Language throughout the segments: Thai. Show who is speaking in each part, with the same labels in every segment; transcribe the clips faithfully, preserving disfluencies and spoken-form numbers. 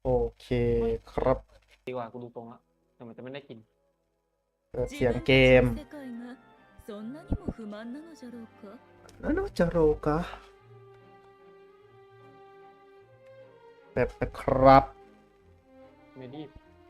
Speaker 1: โอเคครับ
Speaker 2: ดีกว่ากูดูตรงแล้วแต่มันจะไม่ได้กิน
Speaker 1: เปิดเสียงเกมนั่นจะโรกะแบบนะครับ
Speaker 2: ไม่รีบ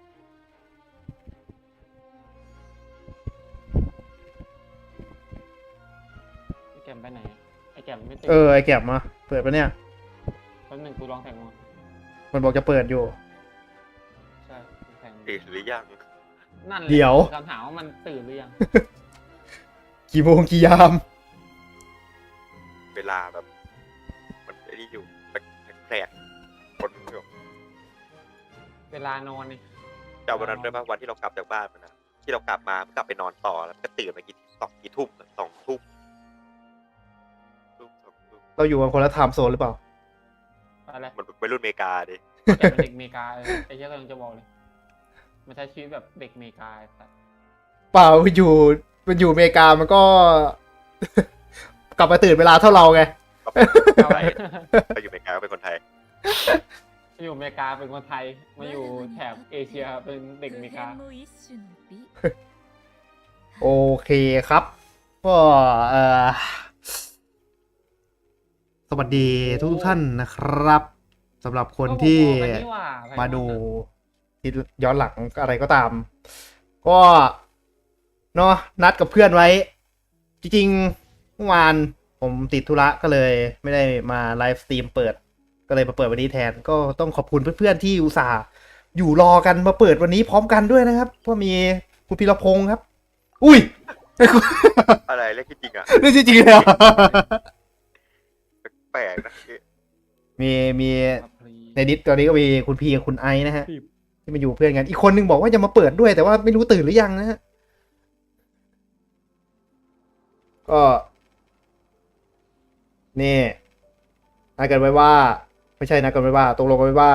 Speaker 2: ไอแกมไปไหนไอแกมไม่ตื่น
Speaker 1: เออไอแก็บมาเปิดปะเนี่ย
Speaker 2: แป๊บหนึงกูลองแทงมัน
Speaker 1: มันบอกจะเปิดอยู่
Speaker 2: ใช่แทง
Speaker 3: ตื่นหรือยัง
Speaker 2: นั่นแหละ
Speaker 1: เดี๋ยว
Speaker 2: คำถามว่ามันตื่นหรือยัง
Speaker 1: กี่โมงกี่ยาม
Speaker 3: เวลาแบบ มันไอ้นี่อยู่แปลกๆคนอยู่
Speaker 2: เวลานอนนี่
Speaker 3: จำวันนั้นได้ป่ะวันที่เรากลับจากบ้านมันนะที่เรากลับมากลับไปนอนต่อแล้วก็ตื่นมากี่สองกี่ทุ่มสองทุ่มทุ่มสองทุ่ม
Speaker 1: เราอยู่กันคนละไทม์โซนหรือเปล่า
Speaker 2: อะไร
Speaker 3: มันเป็นรุ่นอเมริกาดิ
Speaker 2: แกเป็นเด็กอเมริกาเออไอ้เหี้ยกำลังจะบอกเลยมันใช้ชีวิตแบบเด็กอเมริกาไอ้สัส
Speaker 1: เปล่าอยู่มันอยู่อเมริกามันก็ กลับมาตื่นเวลาเท่าเราไง
Speaker 2: เอาไว้
Speaker 3: ไปอยู่อเมริกาก็เป็นคนไทย
Speaker 2: อยู่อเมริกาเป็นคนไทยมาอยู่แถบเอเชียเป็นเด็กอเมริกา
Speaker 1: โอเคครับ ก็เอ่อสวัสดีทุกท่านนะครับสำหรับคนที่
Speaker 2: ก็พอๆกันนี่หว่าไพมอน
Speaker 1: มาดู
Speaker 2: อะ
Speaker 1: ที่ย้อนหลังอะไรก็ตาม ก็เนาะนัดกับเพื่อนไว้ จริงๆเมื่อวานผมติดธุระก็เลยไม่ได้มาไลฟ์สตรีมเปิด ก็เลยมาเปิดวันนี้แทน ก็ต้องขอบคุณเพื่อนๆที่อุตส่าห์อยู่รอกันมาเปิดวันนี้พร้อมกันด้วยนะครับเพราะมีคุณพีรพงศ์ครับ อุ้ย
Speaker 3: อะไรเรียกจริงๆอ่ะ
Speaker 1: นี่จริงๆเลยเหรอ
Speaker 3: แปลกนะ
Speaker 1: มีมี
Speaker 2: ครับพลี
Speaker 1: ในดิสตอนนี้ก็มีคุณพีกับคุณไอซ์นะฮะ
Speaker 2: ครับ
Speaker 1: ที่มาอยู่เพื่อนกัน อีกคนนึงบอกว่าจะมาเปิดด้วยแต่ว่าไม่รู้ตื่นหรือยังนะฮะ ก็นี่นัดกันไว้ว่า ไม่ใช่นัดกันไว้ว่าตกลงกันไว้ว่า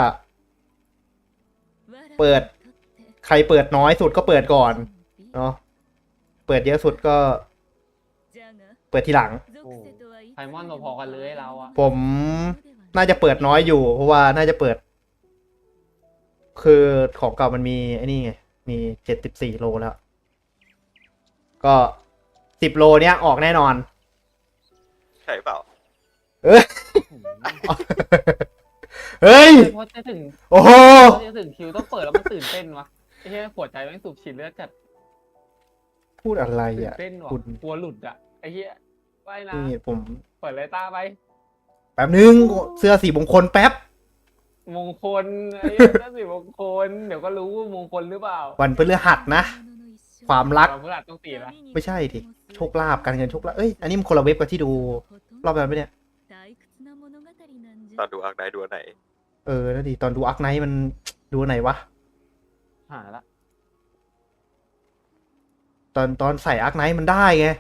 Speaker 1: เปิด ใครเปิดน้อยสุดก็เปิดก่อนเนาะเปิดเยอะสุดก็ เปิดทีหลัง
Speaker 2: โอ้ไพมอนพอๆกันเลยเราอะ
Speaker 1: ผมน่าจะเปิดน้อยอยู่ เพราะว่าน่าจะเปิด คือของเก่ามันมีไอ้นี่ไงมีเจ็ดสิบสี่โลแล้ว ก็สิบโลเนี้ยออกแน่นอน
Speaker 3: ใช่เปล่า
Speaker 1: เอ้ย เฮ้ย
Speaker 2: เพราะจะถึง
Speaker 1: โอ้โห
Speaker 2: เพราะจะถึงคิวต้องเปิดแล้วมันตื่นเต้นวะไอ้เหี้ยหัวใจแม่งสูบฉีดเลือดจัด
Speaker 1: พูดอะไร
Speaker 2: ตื่น
Speaker 1: อ่ะ
Speaker 2: เต้นว่ะ
Speaker 1: คุณ
Speaker 2: กลัวหลุดอะไอ้เหี้ยว่ายน้
Speaker 1: นี่ผม
Speaker 2: ำเปิดเลยตาไป
Speaker 1: แป๊บนึงเสื้อสีมงคลแป๊บ
Speaker 2: มงคลไอ้เหี้ยนั่นสิมงคลเดี๋ยวก็รู้ว่ามงคลหรือเปล่า
Speaker 1: วันพฤหัสนะ ความรัก
Speaker 2: เราเพื่อนต้องตีละ
Speaker 1: ไม่ใช่ดิโชคลาภการเงินโชคลาภเอ้ยอันนี้มันคนละเว็บกับที่ดูรอบนั้นไหมเนี่ย
Speaker 3: ตอนดูอักไนดูอันไหน
Speaker 1: เออนั่นดิตอนดูอาร์คไนท์มันดูอันไหนวะ
Speaker 2: หาละ
Speaker 1: ตอนตอนใส่อาร์คไนท์มันได้ไง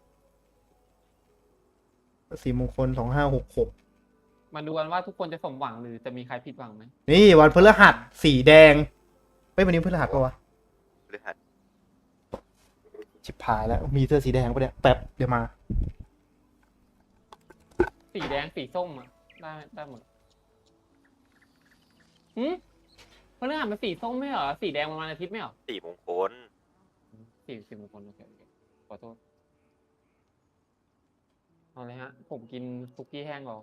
Speaker 1: สีมงคลสองห้าหกหก
Speaker 2: มาดูกันว่าทุกคนจะสมหวังหรือจะมีใครผิดหวังไหม
Speaker 1: นี่วันพฤหัสสีแดงเฮ้ยวันนี้พฤหัสปะวะ
Speaker 3: หรือหัด
Speaker 1: ชิบหายแล้วมีเสื้อสีแดงปะเนี่ยแป๊บเดี๋ยวมา
Speaker 2: สีแดงสีส้มอะได้ได้หมดหืมเพราะเนื้อหามันสีส้มไม่เหรอสีแดงมันวันอาทิตย์ไม่เหรอ
Speaker 3: สี่มงคล
Speaker 2: สี่สิบมงคลโอเคโอเคขอโทษเอาเลยฮะ ผมกินคุกกี้แห้งก่อน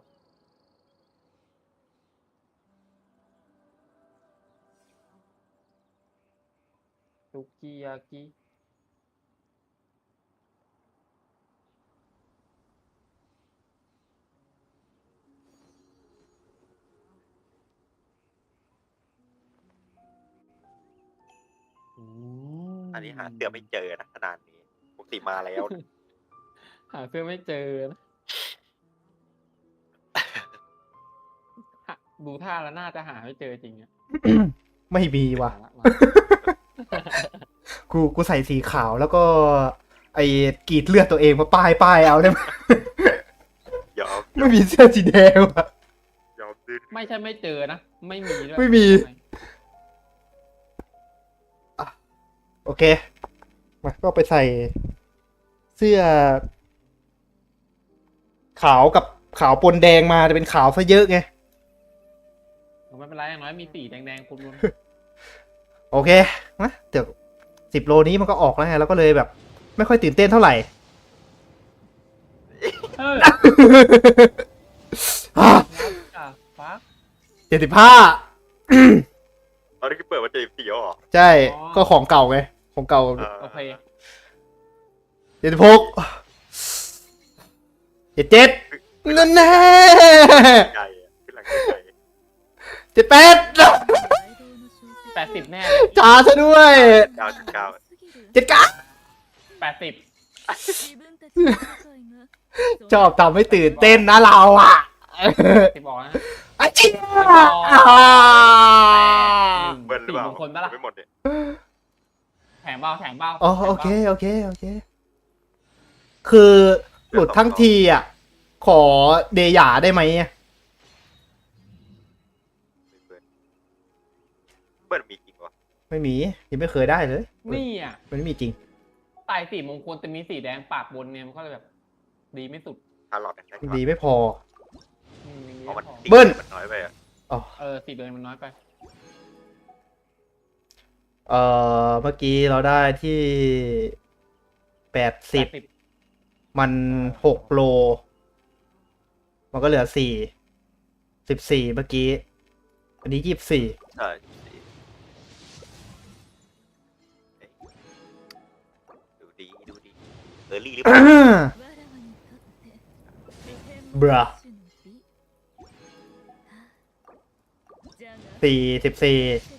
Speaker 2: คุกกี้ยากิอืม
Speaker 3: อันนี้หาเสื้อไม่เจอนะขนาดนี้ปกติมาแล้วนะ
Speaker 2: หาเสื้อไม่เจอนะหาดูท่าแล้วน่าจะหาไม่เจอจริงอะ
Speaker 1: ไม่มีว่ะ
Speaker 2: มาละมา
Speaker 1: กูกูใส่สีขาวแล้วก็ ไอ้กรีดเลือดตัวเองมาป้ายป้ายเอาได้ไหม
Speaker 3: ยอม
Speaker 1: ไม่มีเสื้อสีแดงว่ะ
Speaker 3: ยอมดิ้น
Speaker 2: ไม่ใช่ไม่เจอนะ ไม่มีด้วย
Speaker 1: ไม่มี โอเคมาก็ไปใส่เสื้อ ขาวกับขาวปนแดงมาจะเป็นขาวซะเยอะไง
Speaker 2: ไม่ไม่เป็นไรอย่างน้อยมีสีแดงๆคุณลุน
Speaker 1: โอเคนะเดี๋ยวสิบโลนี้มันก็ออกแล้วไงแล้วก็เลยแบบ ไม่ค่อยตื่นเต้นเท่าไหร่
Speaker 2: เออฟ้า
Speaker 1: เจ็ดสิบห้า
Speaker 3: ตอนนี้คือเปิดมาเจอสี่อ๋อ
Speaker 1: ใช่ ก็ของเก่าไง ของเก่า
Speaker 2: โอเค
Speaker 1: เจ็ดสิบหกเจ็ดเจ็ดนั่นแน่
Speaker 3: ไกลอะขึ้นหลังไกล
Speaker 1: เจ็ดแปด
Speaker 2: แปดสิบแน่เลย
Speaker 1: จ้าซะด้วย
Speaker 3: เก้าจุดเก้า
Speaker 1: เจ็ดเก้า
Speaker 2: แปดสิบ
Speaker 1: ชอบทำให้ตื่นเต้นนะเราอ่ะ
Speaker 2: สิบบอกนะ
Speaker 1: อาเจีย
Speaker 3: เบิ้ลหรือเปล่า
Speaker 2: สี่มงคลปะล่ะ
Speaker 3: ไม่หมดเนี่ย
Speaker 2: แถมเบ้าแถมเบ้า
Speaker 1: อ๋อโอเคโอเคโอเค คือหลุดทั้งทีอ่ะ ขอเดหยาได้ไหม
Speaker 3: เบิ้ลเบิ้ลมีจริงวะ
Speaker 1: ไม่มียังไม่เคยได้เลย
Speaker 2: นี่อ่ะ
Speaker 1: มันไม่มีจริง
Speaker 2: ตายสี่มงคลแต่มีสีแดงปากบนเนี่ยมันก็เลยแบบ ดีไม่สุด
Speaker 3: ฮาร์ลอดได้ก่อน
Speaker 1: ดีไม่พอ
Speaker 2: อืมอย่างนี้
Speaker 3: เพราะมัน
Speaker 2: พอ
Speaker 3: ตี
Speaker 1: เบิ้ล
Speaker 3: มันน้อยไปอะ
Speaker 1: อ๋อ
Speaker 2: เออสี่เบิร์นมันน้อยไป
Speaker 1: เอ่อเมื่อกี้เราได้ที่แปดสิบ
Speaker 2: แปด
Speaker 1: มันหกโล มันก็เหลือสี่สิบสี่เมื่อกี้ อันนี้ยี่สิบสี่
Speaker 3: ใช่ดูดีดูดีเออรี่หรือเปล่า
Speaker 1: บราสี่สิบสี่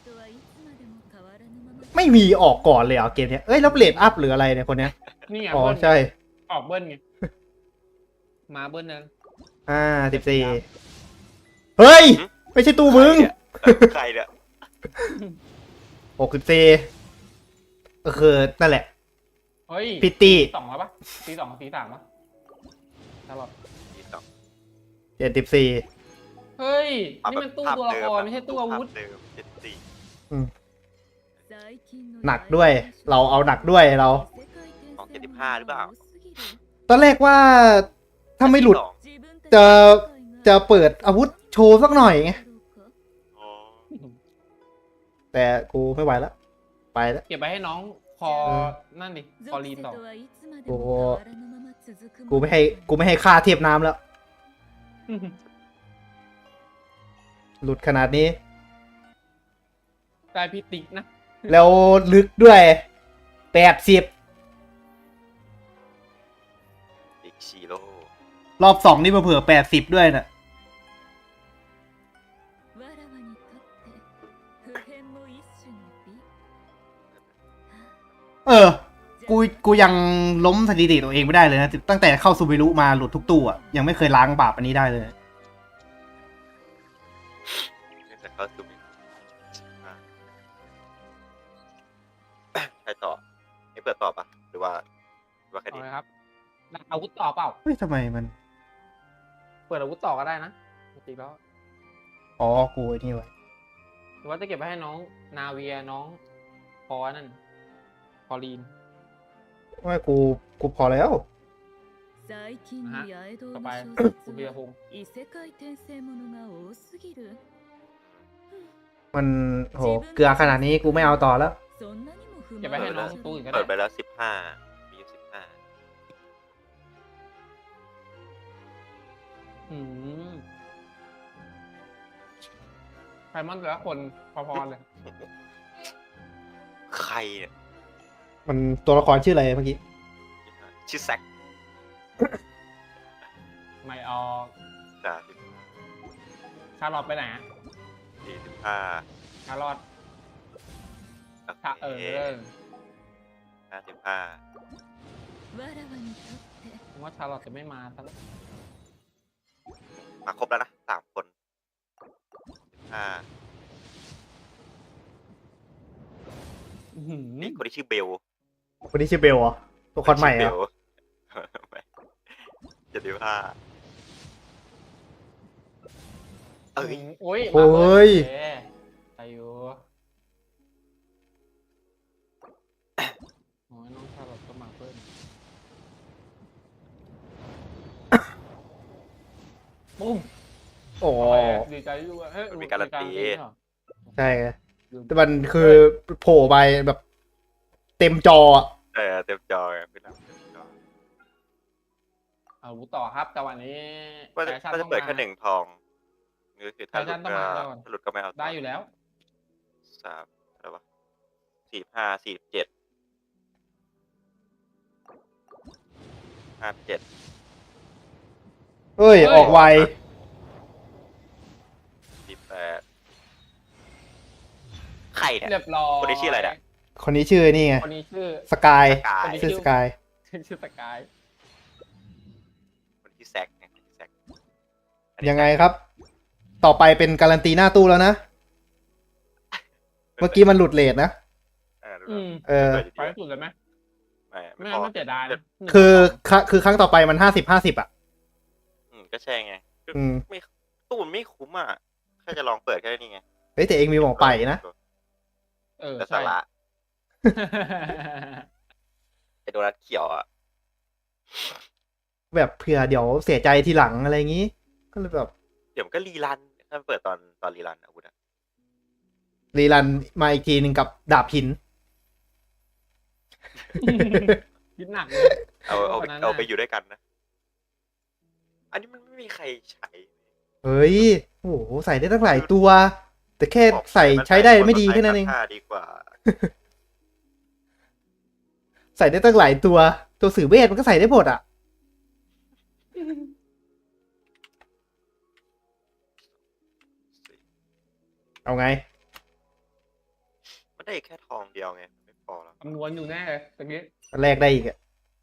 Speaker 1: ไม่มีออกก่อนเลยเหรอเกมเนี้ยเอ้ยแล้วเลดอัพหรืออะไรเนี่ยคนเนี้ย
Speaker 2: นี่ไง
Speaker 1: อ๋อ
Speaker 2: เบิ้ล
Speaker 1: ใช่
Speaker 2: ออกเบิ้ลไง มาเบิ้ลนั้น
Speaker 1: อ่าสิบสี่เฮ้ย ไม่ใช่ตู้มึง
Speaker 3: ใครเนี่ย
Speaker 1: หกสิบสี่ก็คือนั่นแหละ
Speaker 2: เฮ้ย
Speaker 1: พิตตี้
Speaker 2: สองแล้วปะสีสองสีสามปะตลอด
Speaker 3: มีสอง
Speaker 1: เจ็ดสิบสี่
Speaker 2: เฮ้ย
Speaker 3: เอา
Speaker 2: นี่
Speaker 3: แบบ
Speaker 2: มันตู้
Speaker 3: ภาพ
Speaker 2: ตัวละ
Speaker 3: เดิ
Speaker 2: ค
Speaker 3: ม
Speaker 2: ร
Speaker 3: อะ
Speaker 2: ไม่ใช่ตู้อาวุธ
Speaker 3: ภพเดิมเจ็ดสี่
Speaker 1: หนักด้วย เราเอาหนักด้วยเรา
Speaker 3: ของเจ็ดสิบห้าหรือเปล่า
Speaker 1: ตอนแรกว่าถ้าไม่หลุด
Speaker 3: สอง
Speaker 1: จะจะเปิดอาวุธโชว์สักหน่อยไง
Speaker 3: อ๋อ
Speaker 1: แต่กูไม่ไหวแล้ว ไปแล้ว
Speaker 2: เก็บไปให้น้องคอนั่นดิคอลีนต่อ
Speaker 1: โอ้กูไม่ให้กูไม่ให้ค่าเทียบน้ำแล้ว หลุดขนาดนี้
Speaker 2: ได้พิติกนะ
Speaker 1: แล้วลึกด้วยแปดสิบ
Speaker 3: อีกชิโร่
Speaker 1: รอบสองนี่มาเผื่อแปดสิบด้วยน่ะ เออ กู กูยังล้มสถิติตัวเองไม่ได้เลยนะ ตั้งแต่เข้าซูบิรุมาหลุดทุกตู้อ่ะ ยังไม่เคยล้างบาปอันนี้ได้เลย
Speaker 3: แต่เขาซูมอ่ะใครต่อให้เปิดต่อปะหรือว่าหรือว่าแค่
Speaker 2: เอา
Speaker 3: นี้
Speaker 2: เลยครับได้อาวุธต่อเปล่า
Speaker 1: เฮ้ยทำไมมัน
Speaker 2: เปิดอาวุธต่อก็ได้นะจริงๆแล้ว
Speaker 1: อ๋อ กูไอ้นี่ไว้
Speaker 2: หรือว่าจะเก็บไว้ให้น้องนาเวียน้องพอนั่นพอลีน
Speaker 1: ว่ากู กูพอแล้ว
Speaker 2: ต่อไปคุณเบียร์พงษ์
Speaker 1: มันโห เกลือขนาดนี้กูไม่เอาต่อแล้ว
Speaker 2: เก็บไว้ให้น้องตู้อื่นก็
Speaker 3: เปิ
Speaker 2: ได้
Speaker 3: ดไปแล้วสิบห้ามีอยู่สิบห้า
Speaker 2: อืมไพมอนแต่ละคนพอๆเลย
Speaker 3: ใครเนี่ย
Speaker 1: มันตัวละครชื่ออะไรเมื่อกี้
Speaker 3: ชื่อแซค
Speaker 2: ไม่ออก
Speaker 3: จ้า
Speaker 2: ชาร์ลอตไปไหนอะ
Speaker 3: สี่สิบห้า
Speaker 2: ชาร์ลอต
Speaker 3: โอ
Speaker 2: ชาเอ
Speaker 3: เค
Speaker 2: อ
Speaker 3: ห้าสิบห้า
Speaker 2: ผมว่าชาร์ลอตจะไม่มาซะแล้ว
Speaker 3: มาครบแล้วนะสามคนสิบห้า
Speaker 2: อื้อหือ
Speaker 3: นี่คนที่ชื่อเบล
Speaker 1: คนนี้ชื่อเบลเหรอ ตัวละครใหม่เหร
Speaker 3: ชื่
Speaker 1: อ่ะ
Speaker 3: เบลเจ็ดสิบห้าเอ้ย
Speaker 2: โอ้ย
Speaker 1: โอ้ย
Speaker 2: มาเปิดเอ้ยอายุโอ้ยน้องชาร์ลอตก็มาเพิ่มปุ้ม
Speaker 1: โอ้
Speaker 2: โอเคดีดีใจด้วยเฮ้ย
Speaker 3: มันมีการันตี
Speaker 2: เหรอ
Speaker 1: ใช่ไงแต่มันคือโผล่ไปแบบเต็มจออะ
Speaker 3: เออเต็มจอไงพี่น้ำเต็มจอ
Speaker 2: เอาต่อครับแต่วันนี้
Speaker 3: ว่าจะ
Speaker 2: แฟชั่น
Speaker 3: ว่าจะ
Speaker 2: ต้อง
Speaker 3: เปิด
Speaker 2: มา
Speaker 3: แค่หนึ่งทองนี่ก็คือถ้าห
Speaker 2: แฟชั่
Speaker 3: ลุด
Speaker 2: นต้อง
Speaker 3: ก็
Speaker 2: มาก่อน
Speaker 3: ถ้าหลุดก็ไม่เอาต่
Speaker 2: ได้อยู่แล้ว
Speaker 3: สามอะไรวะสี่ห้าสี่เจ็ดห้าเจ็ด
Speaker 1: เอ้ย
Speaker 2: เฮ้ย
Speaker 1: ออกไว
Speaker 3: สี่แปดใครเนี่ย
Speaker 2: เรียบร้อย
Speaker 3: คนนี้ชื่ออะไรเนี่ย
Speaker 1: คนนี้ชื่อนี่ไง
Speaker 2: คนนี้ชื่อ
Speaker 1: สกาย
Speaker 3: สกาย
Speaker 2: คนนี้
Speaker 1: ชื่อสกาย
Speaker 2: ชื่อสกาย
Speaker 3: คนที่แซกไงคนที่แซกอันนี้
Speaker 1: ยังไงครับ ต่อไปเป็นการันตีหน้าตู้แล้วนะ เมื่อกี้มันหลุดเลทนะ
Speaker 3: เออ
Speaker 2: อืม
Speaker 1: เออ
Speaker 3: เปิดอยู่
Speaker 2: ไป
Speaker 3: ดี
Speaker 2: ให้สุดเลยไหม
Speaker 3: ไม่
Speaker 2: ไม่
Speaker 3: ไม่
Speaker 2: งั้
Speaker 3: พ
Speaker 2: น
Speaker 3: อ
Speaker 2: มันเสียดายนะ
Speaker 1: คือคคือครั้งต่อไปมันห้าสิบห้าสิบอ่ะ
Speaker 3: อืมก็ใช่ไงคือ
Speaker 1: อืม
Speaker 3: ไม่ตู้มันไม่คุ้มอ่ะแค่จะลองเปิดแค่นี้ไง
Speaker 1: เฮ้ยแต่เองมีหมองไปนะ
Speaker 2: เออ
Speaker 3: แต่
Speaker 2: ใช่
Speaker 3: สาระไอโดนัทเขียวอ่ะ
Speaker 1: แบบเผื่อเดี๋ยวเสียใจทีหลังอะไรอย่างงี้ ก็เลยแบบ
Speaker 3: เดี๋ยวมันก็รีรันถ้ามันเปิดตอนตอนรีรันอาวุธอ่ะ
Speaker 1: รีรันมาอีกทีหนึ่งกับดาบหิน
Speaker 2: คิดหนักเลย
Speaker 3: เอาเอา
Speaker 2: คนนั้น
Speaker 3: เอา
Speaker 2: น่ะ
Speaker 3: ไปอยู่ด้วยกันนะ อันนี้มันไม่มีใครใช้
Speaker 1: เฮ้ย โอ้โห ใส่ได้ตั้งหลายตัว แต่แค่
Speaker 3: บอก
Speaker 1: ใส่
Speaker 3: มัน
Speaker 1: ใช้ได้
Speaker 3: คน
Speaker 1: ไม่ดี
Speaker 3: ใช้
Speaker 1: แค่นั้นเอง
Speaker 3: ผ้าดีกว่า
Speaker 1: ใส่ได้ตั้งหลายตัว ตัวสื่อเวทมันก็ใส่ได้หมดอ่ะ เอาไง
Speaker 3: มันได้แค่ทองเดียวไงไม่พอแล้ว
Speaker 2: คำนวณอยู่แน่เลยตะกี้
Speaker 1: แรกได้อีกอ่ะ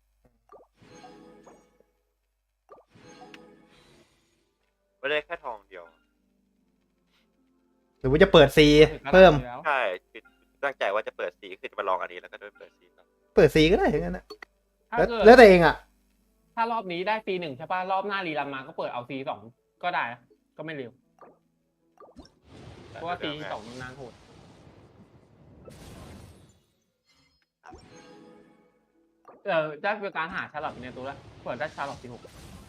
Speaker 3: ไม่ได้แค่ทองเดียว
Speaker 1: หรือว่าจะเปิดซีเพิ่ม
Speaker 2: แล้ว
Speaker 3: ใช่คือตั้งใจว่าจะเปิดสีคือจะมาลองอันนี้แล้วก็ด้วยเปิดสีก่อน
Speaker 1: เปิดซีก็ได้ทั้งนั้นนะ
Speaker 2: ถ้า
Speaker 1: แล้ว
Speaker 2: เกิด
Speaker 1: แล้วแต่เองอ่ะ
Speaker 2: ถ้ารอบนี้ได้ซีหนึ่งใช่ป่ะรอบหน้ารีรันมาก็เปิดเอาซีสองก็ได้นะก็ไม่เร็วเพราะว่าซีสองมันนานโหดเออได้เป็นการหาชาร์ลอตในตัวแล้วเปิดได้ชาร์ลอตซีหก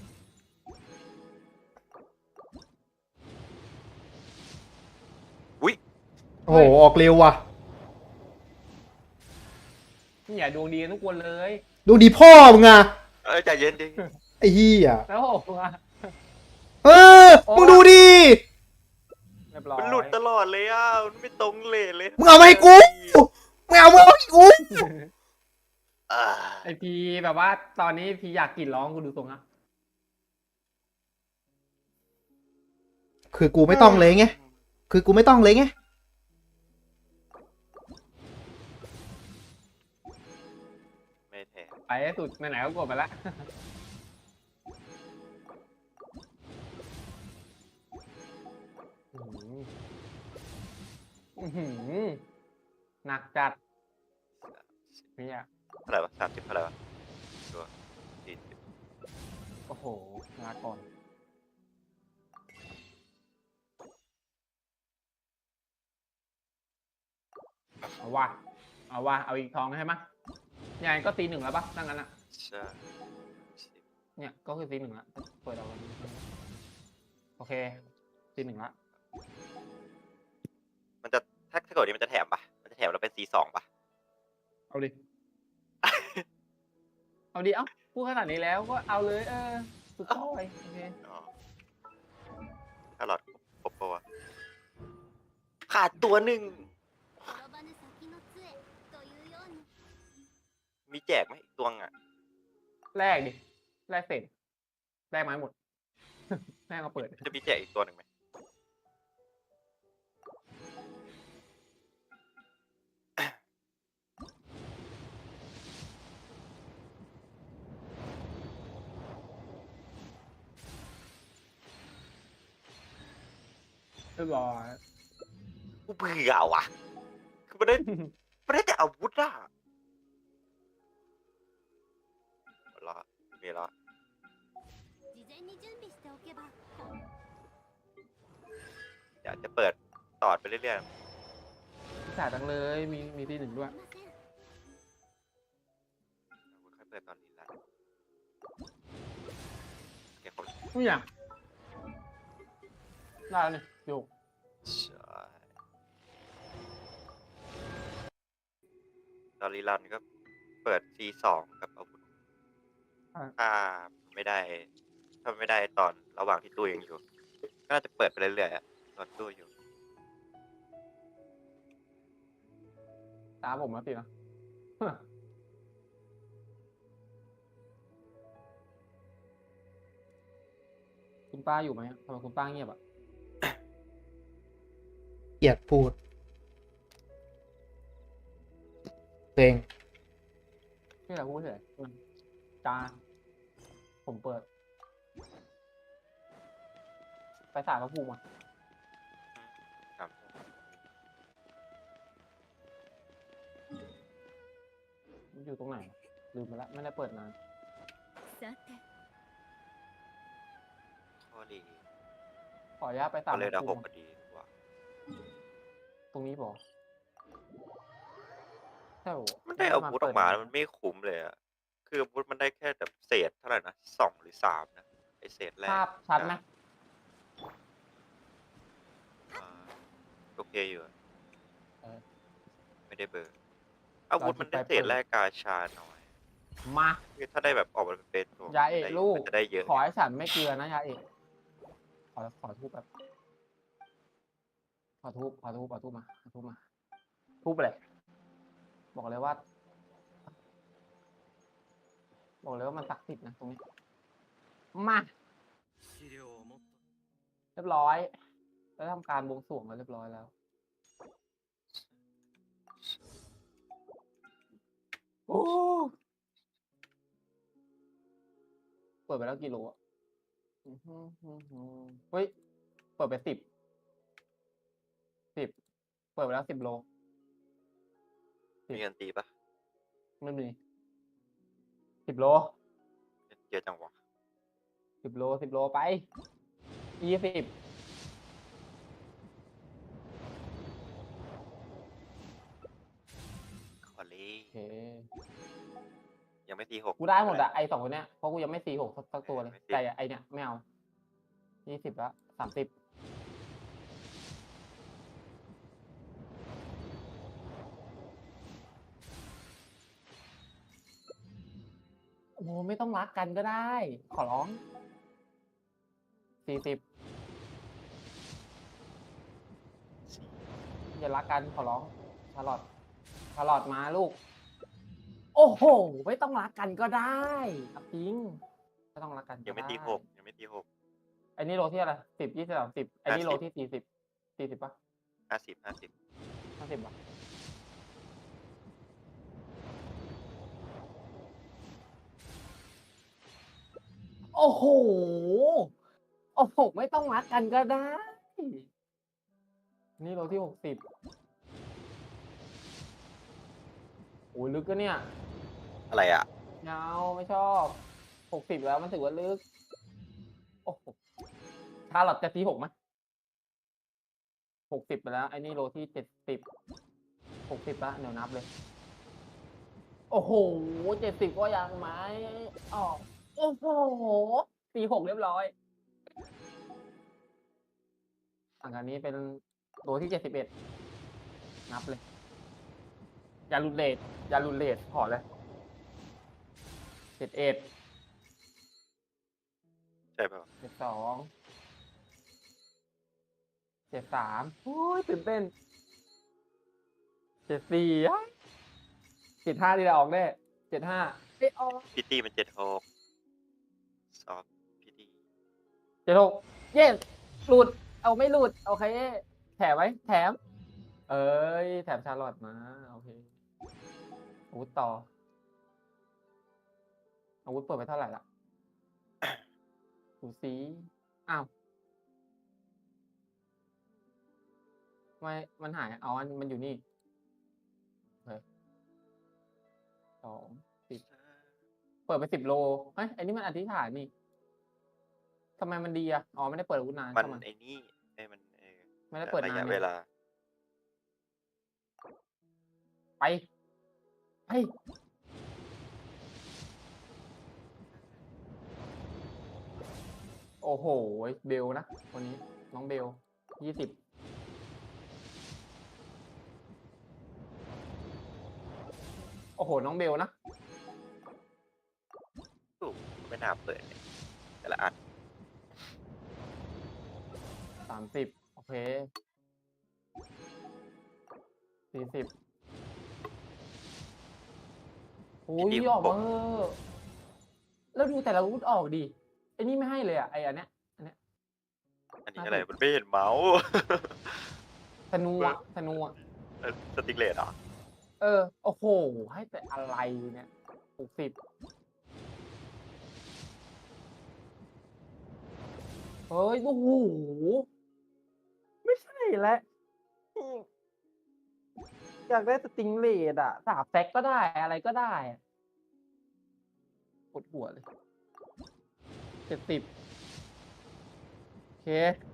Speaker 3: อุ้ย
Speaker 1: โอ้โห ออกเร็วว่ะ
Speaker 2: นี่อย่าดวงดีกันทุกคนเลย
Speaker 1: ดูดีพ่อมึงอ่ะ
Speaker 3: เออใจเย็นดิ
Speaker 1: ไอ้เหี้ย
Speaker 2: แล้วโอ้โห
Speaker 1: เออ มึงดูดิ
Speaker 2: เรียบร้อย
Speaker 3: มันหลุดตลอดเลยอ่ะมันไม่ตรงเลยเลย
Speaker 1: มึงเอามาให้กู มึงเอามาให้กู
Speaker 3: อ่า
Speaker 2: ไอพีแบบว่าตอนนี้พีอยากกรีดร้องกูดูตรงนะ
Speaker 1: คือกูไม่ต้องเลยไง คือกูไม่ต้องเลยไง
Speaker 3: ไม่แท้
Speaker 2: ไปให้สุดไปไหนก็กดไปละอื้อหือหนักจัดเนี่ย
Speaker 3: เท่าไหร่วะสามสิบเท่าไหร่วะตัวสี่สิบ
Speaker 2: โอ้โหลาก่อนเอาว่ะเอาว่ะเอาอีกทองใช่ไหมยังไงก็ตีหนึ่งแล้วปะนั่งนั้นอ่ะ
Speaker 3: ใช่สิบ
Speaker 2: เนี่ยก็คือตีหนึ่งละเปิดเอาโอเคตีหนึ่งละ
Speaker 3: มันจะถ้าถ้าเกิดนี้มันจะแถมปะมันจะแถมเราเป็นซีสองปะ
Speaker 2: เอาดิ เอาดิ เอ้าพูดขนาดนี้แล้วก็เอาเลย เออ สุดท้ายโอเค
Speaker 3: อ๋อถ้าหลอดครบปะวะขาดตัวหนึ่ง
Speaker 4: 転ばぬ先の杖というように
Speaker 3: มีแจกไหมอีกตัวอ่ะ
Speaker 2: แรกดิ แรกเสร็จแรกไม้หมด แรกมาเปิด
Speaker 3: จะมีแจกอีกตัวหนึ่งไหม
Speaker 2: เรียบร้อย
Speaker 3: กูเบื่อว่ะคือมันได้มันได้แต่อาวุธอ่ะหมดและมีและ
Speaker 4: 事前に準備しておけば
Speaker 3: อยากจะเปิดต่อไปเรื่อย
Speaker 2: จ่ายจังเลย มี มีที่หนึ่งด้วย
Speaker 4: いません
Speaker 3: ๆค่อยเปิดตอนนี้ละโอเคครบ
Speaker 2: ไม่อยากได้แล้วนี่
Speaker 3: ใช่ตอนรีรันก็เปิด ซี สองกับอาวุธ
Speaker 2: อ่ะ
Speaker 3: ถ้าไม่ได้ ถ้าไม่ได้ตอนระหว่างที่ตู้ยังอยู่ ก็น่าจะเปิดไปเรื่อยๆอะตอนตู้อยู่
Speaker 2: ตาผมมาสินะ คุณป้าอยู่ไหมทำไมคุณป้าเงียบอ่ะ
Speaker 1: เกลียดพูดเอง
Speaker 2: นี่แหละพูดเฉยอืมจานผมเปิด ไปสารพระภูมิอ่ะ
Speaker 3: ครับ
Speaker 2: มันอยู่ตรงไหนวะลืมไปละไม่ได้เปิดนาน
Speaker 4: さて
Speaker 3: ข้อดี
Speaker 2: ขออนุญาตไปสา
Speaker 3: ก็
Speaker 2: ร
Speaker 3: เลย
Speaker 2: พ
Speaker 3: ดา
Speaker 2: ระ
Speaker 3: ห
Speaker 2: ภู
Speaker 3: ก
Speaker 2: มิ
Speaker 3: ก็ดีกว่า
Speaker 2: ตรงนี้บอกใช่โห
Speaker 3: มันได้อาวุธออกมาแล้วมันไม่คุ้มเลยอะคืออาวุธมันได้แค่แบบเศษเท่าไหร่นะสองหรือสามนะไอเศษแรก
Speaker 2: ภาพชัดไหม
Speaker 3: อ่าโอเคอยู่อะ
Speaker 2: เออ
Speaker 3: ไม่ได้เบอร์ อาวุธมันได้เศษแรกกาชาน้อย
Speaker 2: มา
Speaker 3: คือถ้าได้แบบออกมาเป็นตัวย
Speaker 2: าเอก
Speaker 3: ได้
Speaker 2: ลูก
Speaker 3: มันจะได้เยอะ
Speaker 2: ขอให้ฉันไม่เกลือนะยาเอกขอขอทูบแบบขอทูบขอทูบขอทูบมาขอทูบมาทูบไปเลย บอกเลยว่า บอกเลยว่ามันศักดิ์สิทธิ์นะตรงนี้ มาเรียบร้อย แล้วทำการบวงสรวงมาเรียบร้อยแล้ว โอ้เปิดไปแล้วกี่โลอ่ะอื้อหือหือหือเฮ้ย เปิดไปสิบ สิบ เปิดไปแล้วสิบโล
Speaker 3: มีเงินตีปะ
Speaker 2: ไม่มีสิบโล
Speaker 3: เยอะจังวะ
Speaker 2: สิบโลสิบโลไปยี่สิบ
Speaker 3: คอลี่
Speaker 2: โอเค
Speaker 3: ยังไม่ตีหก
Speaker 2: กูได้หมดอะไอสองคนเนี้ยเพราะกูยังไม่ซีหกสักตัวเลย
Speaker 3: ไม่ซี
Speaker 2: แต่ไอเนี้ยไม่เอายี่สิบละสามสิบโอ้โหไม่ต้องรักกันก็ได้ ขอร้องสี่สิบอย่ารักกันขอร้องชาลอตชาลอตมาลูก โอ้โห ไม่ต้องรักกันก็ได้เอาจริงไม่ต้องรักกันก็
Speaker 3: ยังไม่
Speaker 2: ด้
Speaker 3: ตีหกยังไม่ตีหก
Speaker 2: ไอ้นี่โลที่อะไรสิบยี่สิบสามสิบไอ้นี่
Speaker 3: ห้าสิบ
Speaker 2: โลที่สี่สิบสี่สิบปะ
Speaker 3: ห้าสิบห้าสิบ
Speaker 2: ห้าสิบปะโอ้โห โอ้โห ไม่ต้องรักกันก็ได้ นี่โลที่หกสิบโอ้ยลึกก็เนี่ย
Speaker 3: อะไรอ่ะ
Speaker 2: เงาไม่ชอบหกสิบแล้วมันถือว่าลึก โอ้โหชาร์ลอตจะทีหกไหมหกสิบไปแล้ว ไอ้นี่โลที่เจ็ดสิบหกสิบละเดี๋ยวนับเลย โอ้โหเจ็ดสิบก็ยังไหมอ๋อโอ้โหตีหกเรียบร้อยอันการนี้เป็นโลที่เจ็ดสิบเอ็ดนับเลย อย่าลุนเลทอย่าลุนเลทขอเลยเจ็ดเอ็ด
Speaker 3: ใช่ป่ะ
Speaker 2: เจ็ดสองเจ็ดสามโอ้ยตื่นเต้นเจ็ดสี่เจ็ดห้าที่เราออกแน่เจ็ดห้าเอ้ยออก
Speaker 3: พิตตี้มันเจ็ดหกซอฟพิตตี้
Speaker 2: เจ็ดหกเย้หลุด เอาไม่หลุด โอเค แถมไหมแถม เอ้ย แถมชาร์ลอตมา โอเคอาวุธต่ออาวุธเปิดไปเท่าไหร่ละดูสีอ้าวทำไมมันหายอ๋อมันอยู่นี่โอเคสองสิบเปิดไปสิบโลเฮ้ยอันนี้มันอธิษฐานนี่ทำไมมันดีอ่ะอ๋อไม่ได้เปิดอาวุธนาน
Speaker 3: มัน
Speaker 2: ใช่ไหม
Speaker 3: ไอ้นี่ไอ้มันเออ
Speaker 2: ไม่ได้เปิด
Speaker 3: ระ
Speaker 2: นาย
Speaker 3: ะ
Speaker 2: น
Speaker 3: เว
Speaker 2: นี่
Speaker 3: ลา
Speaker 2: ไปไปโอ้โห เบลนะคนนี้ น้องเบลยี่สิบโหน้องเบลนะ
Speaker 3: ตู้ไม่น่าเปิดเลยแต่ละอัน
Speaker 2: สามสิบโอเคสี่สิบโอ้ย
Speaker 3: พี่
Speaker 2: ออกมาเถอะแล้วดูแต่ละอาวุธออกดิไอ้นี่ไม่ให้เลยอ่ะไอ้อันเนี้ยอันเนี้ย
Speaker 3: อันนี้อะไรมันไม่เห็นเมาส์
Speaker 2: ธนูอ่ะธนูอ่ะ
Speaker 3: เออสติกเลตเหรอ
Speaker 2: เออโอ้โหให้แต่อะไรเนี่ยหกสิบเฮ้ยโอ้โหไม่ใช่แล้วอืมอยากได้สติงเลดอ่ะสาบแซกก็ได้อะไรก็ได้อะปวดหัวเลยเจ็ดสิบโอเค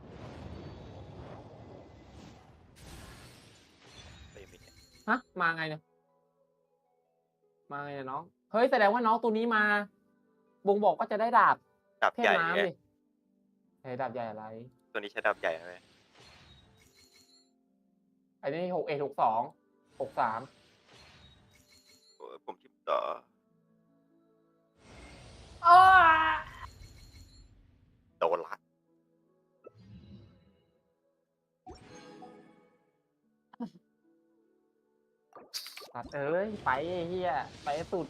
Speaker 3: ไม่มีเนี่ย
Speaker 2: ฮะมาไงเนี่ยมาไงเนี่ยน้องเฮ้ยแสดงว่าน้องตัวนี้มาบ่งบอกว่าจะได้ดาบ
Speaker 3: ดาบ
Speaker 2: เทพ
Speaker 3: ใหญ่
Speaker 2: น้ำ
Speaker 3: ไง
Speaker 2: ดิเฮ้ยดาบใหญ่อะไร
Speaker 3: ตัวนี้ใช้ดาบใหญ่ไหม
Speaker 2: อันนี้หกเอหกสองหกสาม
Speaker 3: โอ้ยผมทิมต่อ
Speaker 2: อ้า
Speaker 3: โดนละ
Speaker 2: ตัดเอ้ยไปไอ้เฮียไปให้สุด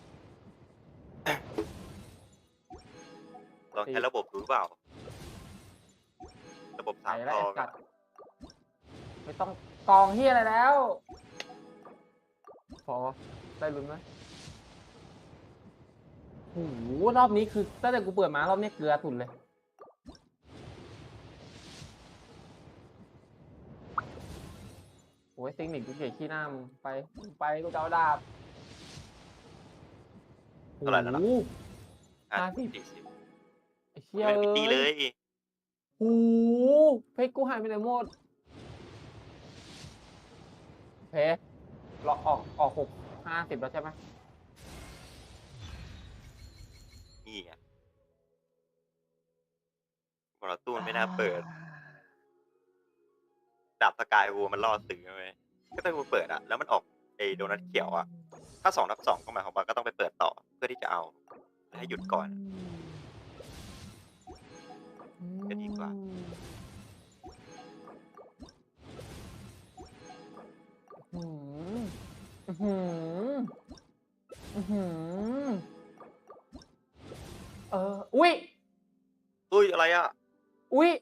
Speaker 3: ลองใช้ระบบดูหรือเปล่า ระบบ
Speaker 2: ไป
Speaker 3: สาม
Speaker 2: แล้ว
Speaker 3: ทอ
Speaker 2: ไอ้
Speaker 3: ง
Speaker 2: สัตว์ไม่ต้องกองเฮียอะไรแล้ว พอได้ลุ้นไหมโอ้โหรอบนี้คือตั้งแต่กูเปิดมารอบนี้เกลือสุดเลย โอ้ยเทคนิคกูเกลียดขี้หน้ามึงไปไปกูจะเอาดาบ
Speaker 3: เท่าไหร่แล้วล่ะ
Speaker 2: โอ้โห
Speaker 3: อ่ะ
Speaker 2: ห้าสิบ
Speaker 3: สี่สิบ
Speaker 2: ไอ้เชี่ย
Speaker 3: ไม่ได้ตีเลย
Speaker 2: โอ้โหเพชรกูหายไปไหนหมดเพชรเราออกออกหกห้าสิบแล้วใช่ไหม
Speaker 3: นี่ไงบอลตู้มันไม่น่าเปิด ดาบสกายวูมันล่อซื้อไหมก็ต้องไปเปิดอะแล้วมันออกไอโดนัทเขียวอะถ้าสองนับสองก็หมายความว่าก็ต้องไปเปิดต่อ เพื่อที่จะเอาให้หยุดก่อน จะดีกว่า
Speaker 2: อืมอื้อหืออื้อหือเอออุ้ย
Speaker 3: อุ้ยอะไรอะ
Speaker 2: อุ้ย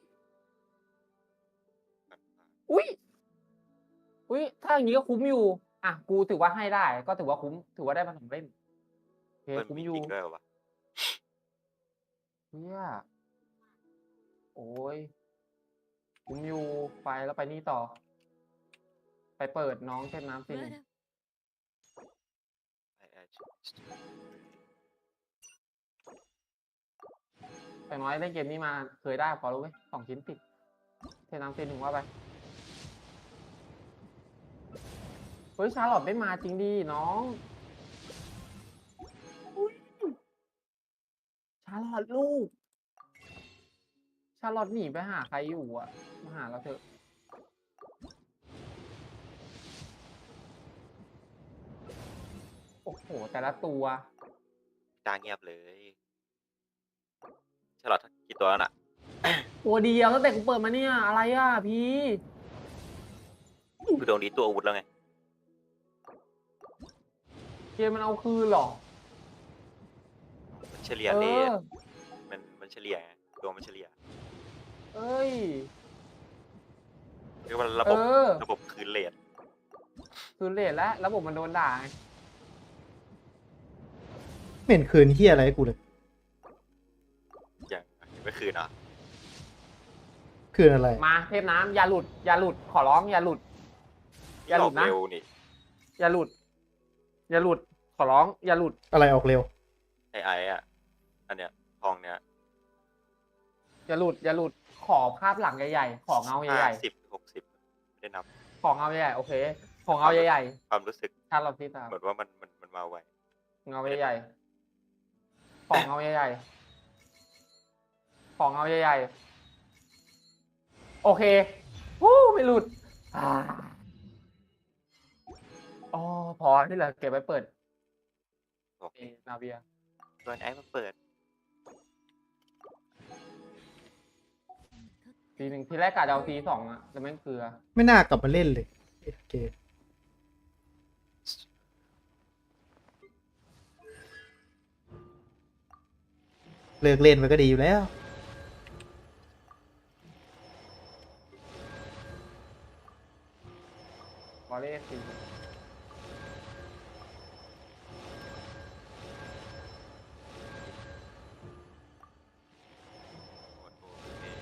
Speaker 2: อุ้ยอุ้ยถ้าอย่างนี้ก็คุ้มอยู่ อ่ะ กูถือว่าให้ได้ ก็ถือว่าคุ้ม ถือว่าได้มาสองเล่มโอเค
Speaker 3: มัน
Speaker 2: คุ้ม
Speaker 3: มี
Speaker 2: อยู่
Speaker 3: จริงด้วยเหรอวะ
Speaker 2: เฮียโอ้ยคุ้มอยู่ไปแล้วไปนี่ต่อ ไปเปิดน้องเทพน้ำสิหนึ่ง
Speaker 3: ไอ้ไอ้
Speaker 2: อย่างน้อยเล่นเกมนี้มาเคยได้พอรู้ไหมสองชิ้นติดเทน้ำซีหนึ่งว่าไป เฮ้ยชาร์ลอตไม่มาจริงดิน้องอุ๊ยชาร์ลอตลูก ชาร์ลอตหนีไปหาใครอยู่อ่ะ มาหาเราเถอะ โอ้โห แต่ละตัว
Speaker 3: จ้าเงียบเลยฉลอดกี่ตัวแล้วน่ะ
Speaker 2: ตัวเดียวตั้งแต่กูเปิดมาเนี่ย อะไรอ่ะพี่
Speaker 3: คือตรงนี้ตัวอาวุธแล้วไง
Speaker 2: เกมมันเอาคืนเหรอ
Speaker 3: มันเฉลี่ย
Speaker 2: เอ
Speaker 3: เล
Speaker 2: อ
Speaker 3: ทมันมันเฉลี่ยไงตัวมันเฉลี่ย
Speaker 2: เอ้ย
Speaker 3: เรียกว่าระ
Speaker 2: เอ
Speaker 3: บบ
Speaker 2: อ
Speaker 3: ระบบคืนเลท
Speaker 2: คืนเลทแล้วระบบมันโดนด่าไง
Speaker 1: ไม่เห็นคืนเฮียอะไรให้กูเลย
Speaker 3: อย่างไม่คืนอ่ะ
Speaker 1: คืนอะไร
Speaker 2: มาเทพน้ำอย่าหลุด อย่าหลุด ขอร้องอย่าหลุด อย่าหลุดนะ
Speaker 3: เร็วนี่
Speaker 2: อย่าหลุด อย่าหลุด ขอร้อง อย่าหลุด
Speaker 1: อะไรออกเร็ว
Speaker 3: ไอไออ่ะ อันเนี้ยทองเนี้ย
Speaker 2: อย่าหลุด อย่าหลุด ขอภาพหลังใหญ่ๆ ขอเงา
Speaker 3: ห้า
Speaker 2: ใหญ่
Speaker 3: สิบหกสิบไม่ได้นับ
Speaker 2: ๆ ขอเงาใหญ่ๆ โอเค ขอเงาใหญ่
Speaker 3: ความรู้สึก
Speaker 2: ๆถ้าเราที่ตาม
Speaker 3: เหมือนว่ามันมันมันมาไว
Speaker 2: เงาใหญ่ๆ ขอเงาใหญ่ๆ ขอเงาใหญ่ๆ โอเควู้ไม่หลุดอ่าอ๋อพอที่เหลือเก็บไว้เปิด
Speaker 3: บอก
Speaker 2: เอนาเวีย
Speaker 3: โดนไอ้มาเปิด
Speaker 2: ทีหนึ่งทีแรกกะจะเอาทีสองอะแต่แม่งเกลือ
Speaker 1: ไม่น่ากลับมาเล่นเลยโอเคเลิกเล่นมันก็ดีอยู่แล้ว
Speaker 2: บอลเล่ที
Speaker 3: โอ้โหเอ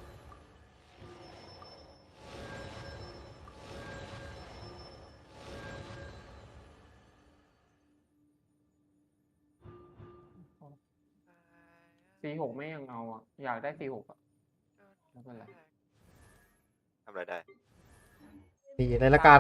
Speaker 2: ซีหกไม่ยังเอาอะอยากได้ซีหกอะไม่เป็นไร
Speaker 3: ทำอะไรได้
Speaker 1: นี่รายละการ